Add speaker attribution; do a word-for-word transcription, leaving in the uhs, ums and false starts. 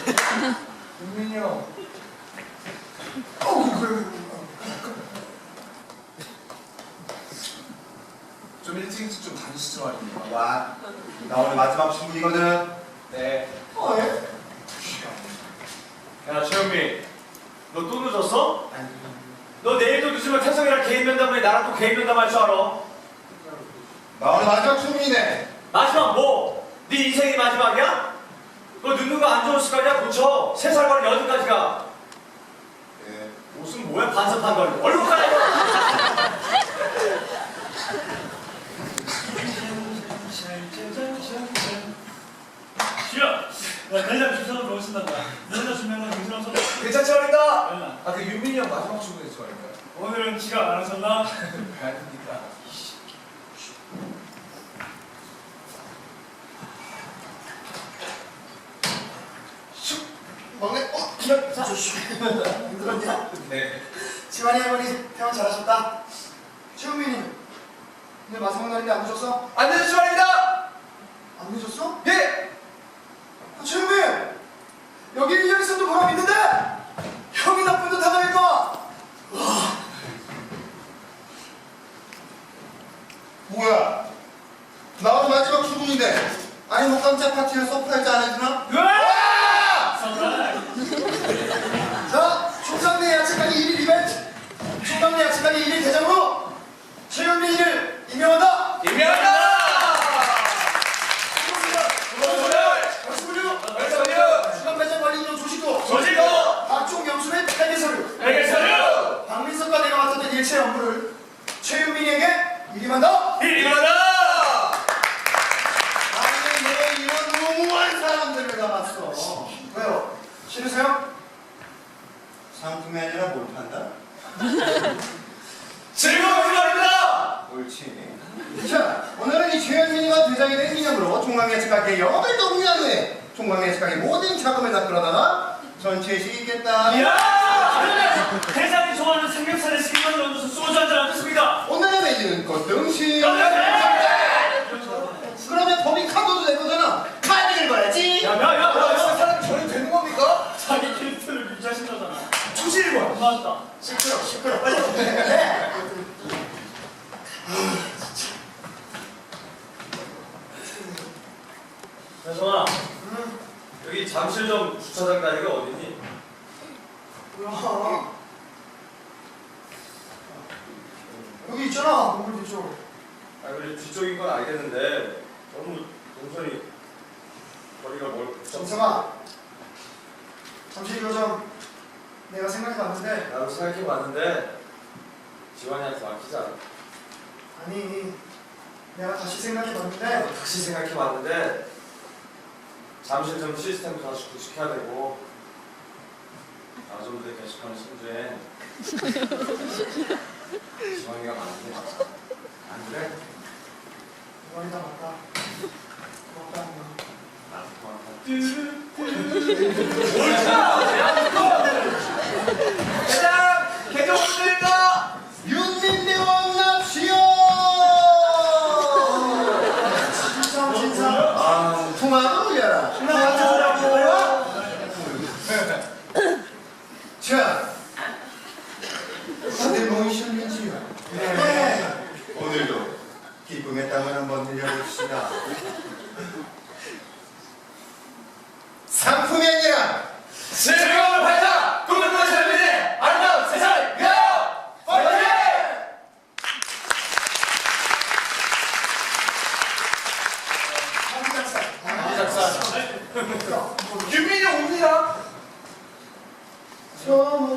Speaker 1: 윤민이 형. 좀 일찍 일찍 좀 다니시죠 말입니다.
Speaker 2: 와, 나 오늘 마지막 신분이거든.
Speaker 1: 네.
Speaker 2: 어, 예?
Speaker 3: 야 최현미, 너 또 늦었어?
Speaker 2: 아니,
Speaker 3: 너 내일도 늦으면 태성이랑 개인 면담에 나랑 또 개인 면담할 줄 알아.
Speaker 2: 나 오늘 마지막 신분이네.
Speaker 3: 마지막 뭐? 네 인생이 마지막이야? 너 늦는 거 안 좋은 습관이야? 고쳐. 세 살 걸린 여든까지 가.
Speaker 2: 예.
Speaker 3: 옷은 뭐야? 반사판 걸려. 얼른 가라 이거.
Speaker 4: 지야, 야, 대장 주소로 넣으신단다. 너희가 주면은 정신없어.
Speaker 1: 괜찮지 말입니다.
Speaker 4: 얼마?
Speaker 1: 아, 그 윤민이 형 마지막 출근했지 말입니다.
Speaker 4: 오늘은 지각 안 하셨나?
Speaker 1: 봐야 됩니다.
Speaker 2: 막내, 어, 기억, 자, 힘들었냐?
Speaker 1: 네.
Speaker 2: 지환이 할머니 태원 잘하셨다. 최우민이 오늘 마지막 날인데 안 늦었어?
Speaker 1: 안 되지 말입니다.
Speaker 2: 안 늦었어?
Speaker 1: 예.
Speaker 2: 아, 최우민! 여기 일 년 있어도 보람 있는데 형이 나쁜 듯 하다니까. 뭐야? 나 오늘 마지막 출근인데 아니 뭐 깜짝 파티를 서프라이즈 안 해주나?
Speaker 4: 선물.
Speaker 2: 자, 총상내 야채가게 일 일 이벤트! 총상내 야채가게 일 일 대장으로 최현민이를 임명한다!
Speaker 1: 임명한다.
Speaker 2: 말씀을요!
Speaker 1: 말씀을요.
Speaker 2: 주간 배정 관리 인용 조직도
Speaker 1: 조직도
Speaker 2: 각종 영수의 회계 서류
Speaker 1: 회계 서류
Speaker 2: 박민석과 내가 맡았던 일체 업무를 최윤민에게 위임한다!
Speaker 1: 임명한다.
Speaker 2: 아니 내가 이런 무모한 사람들을 남았어. 왜요? 싫으세요? 상품이 아니라 뭘 판다?
Speaker 1: 즐거운 말입니다.
Speaker 2: 옳지. 자, 오늘은 이 최현민이가 대장이 된 기념으로 종강예측가게 영업을 동의한 후에 종강예측가게 모든 자금을 다 끌어다가 전체에 시겠다.
Speaker 4: 이야! 대장이 좋아하는 삼겹살에 식만 넣어줘서 소주 한잔 하겠습니다.
Speaker 2: 오늘의 메뉴는 꽃등심.
Speaker 1: 네.
Speaker 2: 그러면 법인 카드도 될 거잖아. 카드 읽어야지.
Speaker 3: 야야야.
Speaker 1: 아, 사람 저리 되는 겁니까?
Speaker 4: 자기 캐릭터를 유지하신다잖아.
Speaker 1: 초실권.
Speaker 4: 맞다.
Speaker 2: 시끄러, 시끄러. 빨리 해.
Speaker 3: 태성아, 여기 잠실점 주차장 다리가 어디니?
Speaker 2: 뭐야? 여기 있잖아. 건물 뒤쪽.
Speaker 3: 아 그래 뒤쪽인 건 알겠는데 너무 동선이 거리가 멀.
Speaker 2: 정성아. 잠시 이거 좀 내가 생각해봤는데
Speaker 3: 나도 생각해봤는데 지환이한테 맡기자.
Speaker 2: 아니 내가 다시 생각해봤는데
Speaker 3: 나도 다시 생각해봤는데 잠실점 시스템 다시 구축해야 되고 아점들 게시판을 신주해 지환이가 많은데 안 그래?
Speaker 2: 머리가 맞다. 고맙다 엄마.
Speaker 3: 나도 고맙다.
Speaker 1: 대장 개정 부탁드립니다.
Speaker 2: 윤민대왕 납시오! 진상 진상.
Speaker 3: 아
Speaker 2: 통화도 올려라.
Speaker 4: 나 맞춰주라고.
Speaker 2: 자, 다들 모이셨는지요? 네. 오늘도 기쁨의 땀을 한번 흘려봅시다. 상품이 아니라
Speaker 1: 즐거운 발사 꿈꾸는 젊은이의 아름다운 세상을 위하여 파이팅!
Speaker 2: 한작사.
Speaker 1: 윤민이 옵니다.
Speaker 2: 처음